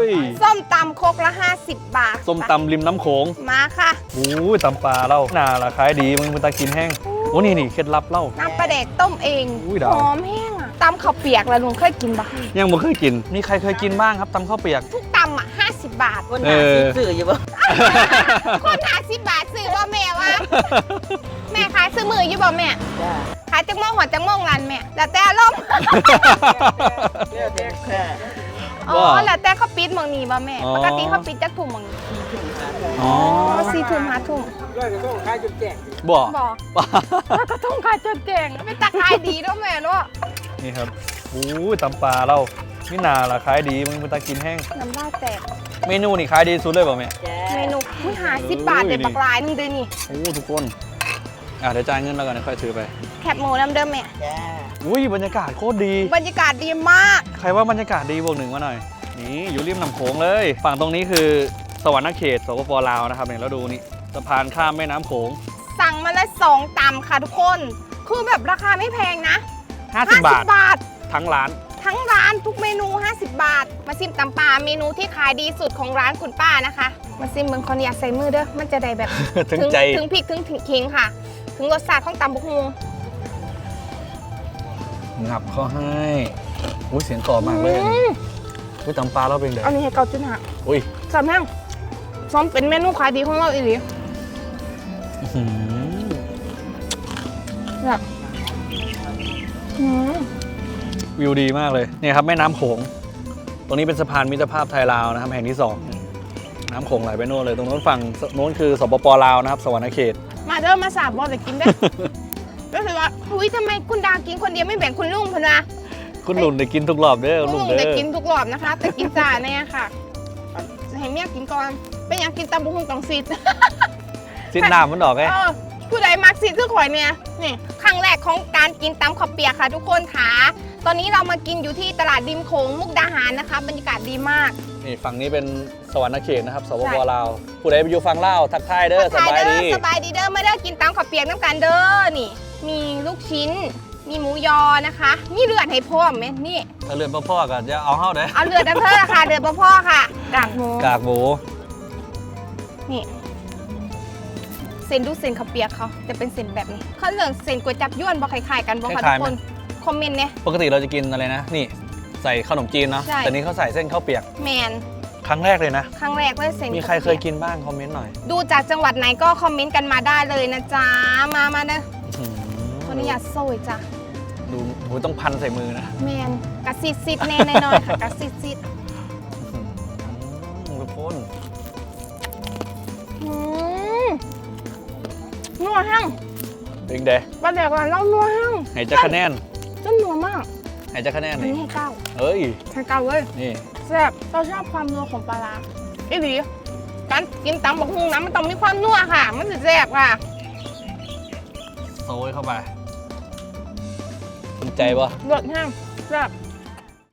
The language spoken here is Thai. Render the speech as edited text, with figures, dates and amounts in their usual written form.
ยส้มตำครกละ50 บาทส้มตำริมน้ำโขงมาค่ะโอ้ยตำปลาเล่าหน้าละขายดีมึงตากินแห้งโอ้นี่เคล็ดลับเล่าน้ำปลาแดกต้มเองหอมแห้งอ่ะตำข้าวเปียกแล้วลุงเคยกินปะยังบ่เคยกินมีใครเคยกินบ้างครับตำข้าวเปียกทุกตำอ่ะ50 บาทคนหาซื้ออยู่บ่คน50 บาทซื้อบ่แม่วะแม่ขายซื้อมืออยู่บ่แม่ขายจังโมงหัวจังโมงรันแม่แล้วแต่ลมอ๋อแล้วแต่เขาปิดมองนี้บ่แม่ปกติเขาปิดจักทุ่มมองนี้อ๋อ4 ทุ่ม5 ทุ่มต้องขายจนแจ้งบ่แล้วก็ต้องขายจนแจ้งเป็นตาขายดีด้วยแม่เนาะนี่ครับโอ้ยตำปลาเล่านี่นาละขายดีมึงตากินแห้งน้ำลายแตกเมนูนี่ขายดีสุดเลยป่ะแม่เมนู50 บาทเด็ดปลากรายนึงด้วยนี่โอ้ทุกคนเดี๋ยวจ่ายเงินแล้วกันค่อยซื้อไปแคบหมูน้ำเดิมแม่อุ้ยบรรยากาศโคตรดีบรรยากาศดีมากใครว่าบรรยากาศดีบวก 1มาหน่อยนี่อยู่ริมน้ำโขงเลยฝั่งตรงนี้คือสวรรค์เขตสปป.ลาวนะครับเนี่ยแล้วดูนี่สะพานข้ามแม่น้ำโขงสั่งมาละ2 ตำค่ะทุกคนคือแบบราคาไม่แพงนะ 50 บาททั้งร้านทุกเมนู50 บาทมาซิมตำปลาเมนูที่ขายดีสุดของร้านคุณป้านะคะมาซิมเมืองคนอยากใส่มือเด้อมันจะได้แบบถึงใจถึงพริกถึงขิงค่ะถึงรสชาติของตำบุกฮูงับเขาให้อุ้ยเสียงกรอบมากเลยอุ้ยตำปลาเราเป็นเด็กอันนี้ให้เกาจุนหะอุ้ยซ้ำแห้งซ้อมเป็นเมนูขายดีของเราอีหลีแบบวิวดีมากเลยนี่ครับแม่น้ำโขงตรงนี้เป็นสะพานมิตรภาพไทยลาวนะครับแห่งที่2น้ำโขงไหลไปโน่นเลยตรงโน้นฝั่งโน้นคือสปป.ลาวนะครับสวรรค์เขตมาเด้อมาสาบบอลแต่กินได้ก็คือว่าอุ้ยทำไมคุณดากินคนเดียวไม่แบ่งคุณลุงพนะคุณลุงได้กินทุกรอบเด้อลุงได้กินทุกรอบนะคะแต่กินจ่าเนี่ยค่ะให้เมียกินก่อนเป็นยังกินตำบุ้งต้องซีดน้ำมันดอกไงผู้ใดมักซีดคือข่อยเนี่ยนี่ครั้งแรกของการกินตำข้าวเปียกค่ะทุกคนค่ะตอนนี้เรามากินอยู่ที่ตลาดริมโขงมุกดาหารนะคะบรรยากาศดีมากนี่ฝั่งนี้เป็นสวรรค์เขตนะครับสปป.ลาวผู้ใดไปอยู่ฝั่งลาวทักทายเด้อสบายดีเด้อไม่ได้กินตำข้าวเปียกน้ำกันเด้อนี่มีลูกชิ้นมีหมูยอนะคะมีเลือดให้พ่อไหมนี่ถ้าเลือดพ่อก็จะเอาเข้าได้เอาเลือดเธอค่ะเลือดพ่อค่ะกากหมูนี่เส้นดูเส้นข้าวเปียกเขาจะเป็นเส้นแบบนี้เขาเรื่องเส้นก๋วยจับยวนบอกคล้ายๆกันบอกค่ะทุกคนคอมเมนต์เนี่ยปกติเราจะกินอะไรนะนี่ใส่ขนมจีนเนาะแต่นี้เขาใส่เส้นข้าวเปียกแมนครั้งแรกเลยนะครั้งแรกเลยเส้นมีใครเคยกินบ้างคอมเมนต์หน่อยดูจากจังหวัดไหนก็คอมเมนต์กันมาได้เลยนะจ๊ะมาเนอะคนนี้อยากโซ่จ้ะดูหูต้องพันใส่มือนะแมนกระซิดแน่นอนค่ะกระซิดทุกคนนัวหั่งเป็นเดะประเดี๋ยวก่อนเรานัวหั่งไหนจะคะแนนจนนัวมากไหนจะคะแนนนี่ให้9 เอ้ยให้9เลยนี่แซ่บเราชอบความนัวของปลาร้าอีหลีการกินตำบักหุ่งนะมันต้องมีความนัวค่ะมันจะแซ่บค่ะโซ่เข้าไปภูมิใจปะรสแห้งแซ่บ